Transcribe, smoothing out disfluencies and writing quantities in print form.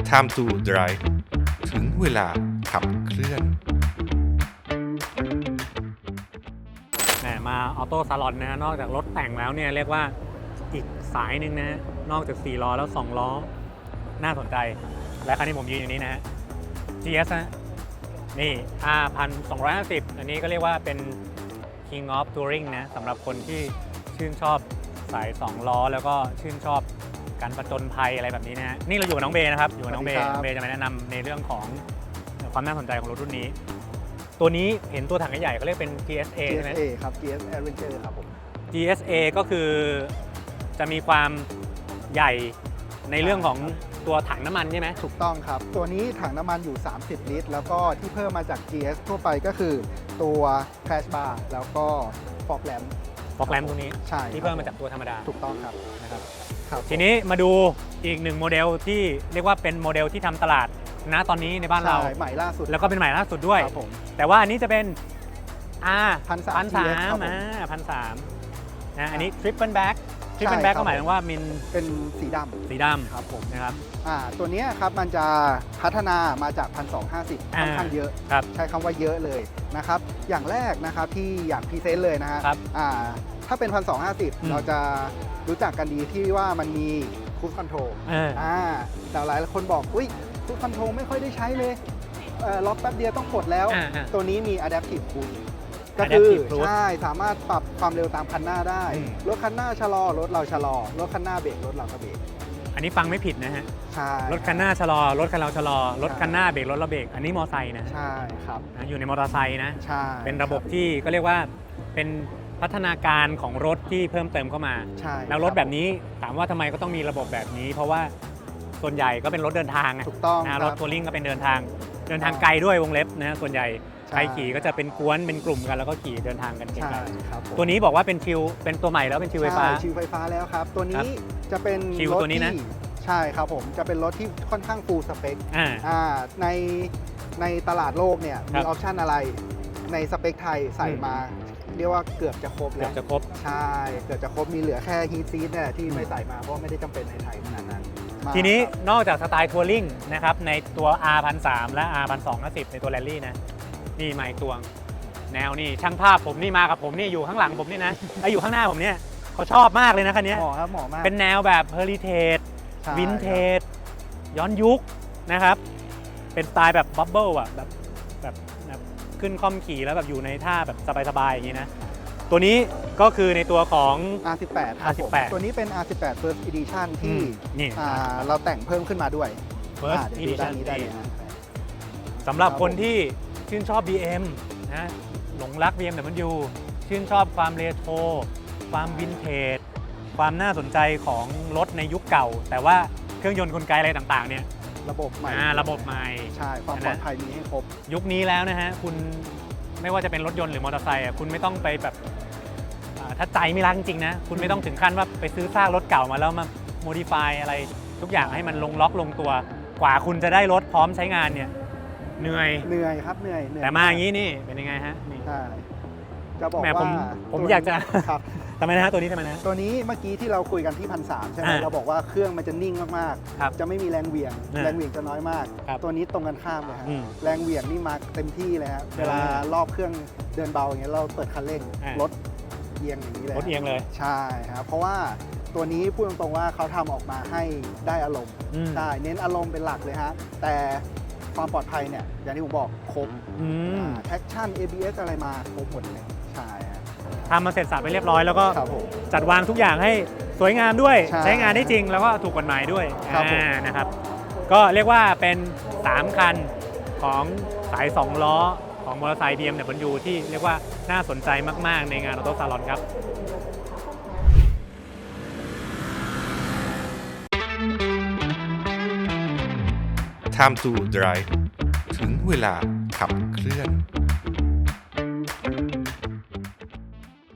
Time to Drive ถึงเวลาขับเคลื่อนมาออโต้ซาลอนนะนอกจากรถแต่งแล้วเนี่ยเรียกว่าอีกสายหนึ่งนะนอกจาก4ล้อแล้ว2ล้อน่าสนใจและคันนี้ผมยืนอยู่นี้นะฮะ GS นะนี่ R1250 อันนี้ก็เรียกว่าเป็น King of Touring นะสำหรับคนที่ชื่นชอบสาย2ล้อแล้วก็ชื่นชอบการผจญภัยอะไรแบบนี้นะฮะนี่เราอยู่กับน้องเบย์นะครับอยู่กับน้องเบย์จะมาแนะนำในเรื่องของความน่าสนใจของรถรุ่นนี้ตัวนี้เห็นตัวถังใหญ่เขาเรียกเป็น GSA ใช่ไหม GSA ครับ GS Adventure ครับผม GSA ก็คือจะมีความใหญ่ในเรื่องของตัวถังน้ำมันใช่ไหมถูกต้องครับ ตัวนี้ถังน้ำมันอยู่ 30 ลิตร แล้วก็ที่เพิ่มมาจาก GS ทั่วไปก็คือตัว Crash Bar แล้วก็ Fog Lamp ฟอกแลมตัวนี้ใช่ที่เพิ่มมาจากตัวธรรมดาถูกต้องครับนะครับครับทีนี้มาดูอีกหนึ่งโมเดลที่เรียกว่าเป็นโมเดลที่ทำตลาดนะตอนนี้ในบ้านเราใช่ใหม่ล่าสุดแล้วก็เป็นใหม่ล่าสุดด้วยครับผมแต่ว่าอันนี้จะเป็น 1,300 1,300 ครับผม 1,300นะอันนี้ Triple Back Triple Back ก็หมายถึงว่ามินเป็นสีดสีดำครับผมนะครับตัวเนี้ยครับมันจะพัฒนามาจาก 1,250 ค่อนข้างเยอะครับใช้คำว่าเยอะเลยนะครับ อย่างแรกนะครับที่อยากพรีเซนต์เลยนะฮะครับถ้าเป็น 1,250 เราจะรู้จักกันดีที่ว่ามันมีคูสคอนโทรล แต่หลายคนบอกอุ้ยคูสคอนโทรลไม่ค่อยได้ใช้เลยล็อกแป๊บเดียวต้องกดแล้ว ตัวนี้มี Adaptive Cruise ก็คือ Adaptive Cruise ใช่สามารถปรับความเร็วตามคันหน้าได้ รถคันหน้าชะลอรถเราชะลอรถคันหน้าเบรกรถเราก็เบรกอันนี้ฟังไม่ผิดนะฮะใช่รถคันหน้าชะลอรถคันเราชะลอรถคันหน้าเบรกรถเราเบรกอันนี้มอไซค์นะใช่ครับอยู่ในมอเตอร์ไซค์นะใช่เป็นระบบที่ก็เรียกว่าเป็นพัฒนาการของรถที่เพิ่มเติมเข้ามาใช่แล้วรถแบบนี้ถามว่าทำไมก็ต้องมีระบบแบบนี้ เพราะว่าส่วนใหญ่ก็เป็นรถเดินทางนะถูกต้องนะครรัถบทัวริงก็เป็นเดินทางไกลด้วยวงเล็บนะส่วนใหญ่ใช่ใครขี่ก็จะเป็นกวนเป็นกลุ่มกันแล้วก็ขี่เดินทางกันไกใช่ลครับผมๆตัวนี้บอกว่าเป็นชิวเป็นตัวใหม่แล้วเป็นชิวไฟฟ้าใช่ชิวไฟฟ้าแล้วครับ ตัวครันี้บจะเป็นชิวรถตัวนี้นะที่ใช่ครับผมจะเป็นรถที่ค่อนข้างฟูลสเปค ในตลาดโลกเนี่ยครัมีบออปชันอะไรในสเปคไทยใส่มา เรียกว่าเกือบจะครบเกืแล้อบวจะครบใช่เกือบจะครบมีเหลือแค่ฮีทซีทเนี่ยที่ไม่ใส่มาเพราะไม่ได้จำเป็นในไทยขนาดนั้นมาทีนี้ครับนอกจากสไตล์ทัวริงนะครับในตัว R1300 และ R1250 ในตัวแรลลี่นะนี่มาอีกตัวแนวนี่ช่างภาพผมนี่มากับผมนี่อยู่ข้างหลังผมนี่นะไอ้อยู่ข้างหน้าผมเนี่ยเขาชอบมากเลยนะคันนี้เหมาะครับเหมาะมากเป็นแนวแบบเฮอริเทจใช่วินเทจย้อนยุคนะครับเป็นสไตล์แบบบับเบิลอ่ะแบบขึ้นคล่อมขี่แล้วแบบอยู่ในท่าแบบสบายๆอย่างนี้นะตัวนี้ก็คือในตัวของ R18 ครับผม R18 ตัวนี้เป็น R18 First Edition ที่นี่เราแต่งเพิ่มขึ้นมาด้วย First เดี๋ยวดูด้าน Edition นี้ได้เลยนะสำหรับคนที่ชื่นชอบ BM นะหลงรัก BMW ชื่นชอบความเรโทรความวินเทจความน่าสนใจของรถในยุคเก่า แต่ว่าเครื่องยนต์กลไกอะไรต่างๆเนี่ยระบบใหม่ระบบใหม่ใช่ความปลอดภัยมีให้ครบยุคนี้แล้วนะฮะคุณไม่ว่าจะเป็นรถยนต์หรือมอเตอร์ไซค์คุณไม่ต้องไปแบบถ้าใจไม่รักจริงๆนะคุณไม่ต้องถึงขั้นว่าไปซื้อซากรถเก่ามาแล้วมาโมดิฟายอะไรทุกอย่างให้มันลงล็อกลงตัวกว่าคุณจะได้รถพร้อมใช้งานเนี่ยเหนื่อยเหนื่อยครับเหนื่อยแต่มาอย่างนี้นี่เป็นยังไงฮะนี่ใช่จะบอกแหมว่าผมตัวอยากจะครับทำไมนะฮะตัวนี้ทำไมนะตัวนี้เมื่อกี้ที่เราคุยกันที่1,300ใช่ไหมเราบอกว่าเครื่องมันจะนิ่งมากครับๆจะไม่มีแรงเหวี่ยงอ่าแรงเหวี่ยงจะน้อยมากครับตัวนี้ตรงกันข้ามเลยฮะอืมแรงเหวี่ยงนี่มาเต็มที่เลยครับเวลารอบเครื่องเดินเบาอย่างเงี้ยเราเปิดคันเร่งอ่ารถเอียงอย่างนี้เลยรถเอียงเลยใช่ครับเพราะว่าตัวนี้พูดตรงๆว่าเขาทำออกมาให้ได้อารมณ์อืมใช่เน้นอารมณ์เป็นหลักเลยฮะแต่ความปลอดภัยเนี่ยอย่างที่ผมบอกครบ แท็กชั่น ABS อะไรมาครบหมดเลยใช่ฮะทำมาเสร็จสับไปเรียบร้อยแล้วก็ครับผมจัดวางทุกอย่างให้สวยงามด้วยใช่ใช้งานได้จริงแล้วก็ถูกกฎหมายด้วยครับผมนะครับก็เรียกว่าเป็น 3 คันของสาย 2 ล้อของมอเตอร์ไซค์ BMW ที่เรียกว่าน่าสนใจมากๆในงานออโต้ซาลอนครับ Time to Drive ถึงเวลาขับเคลื่อน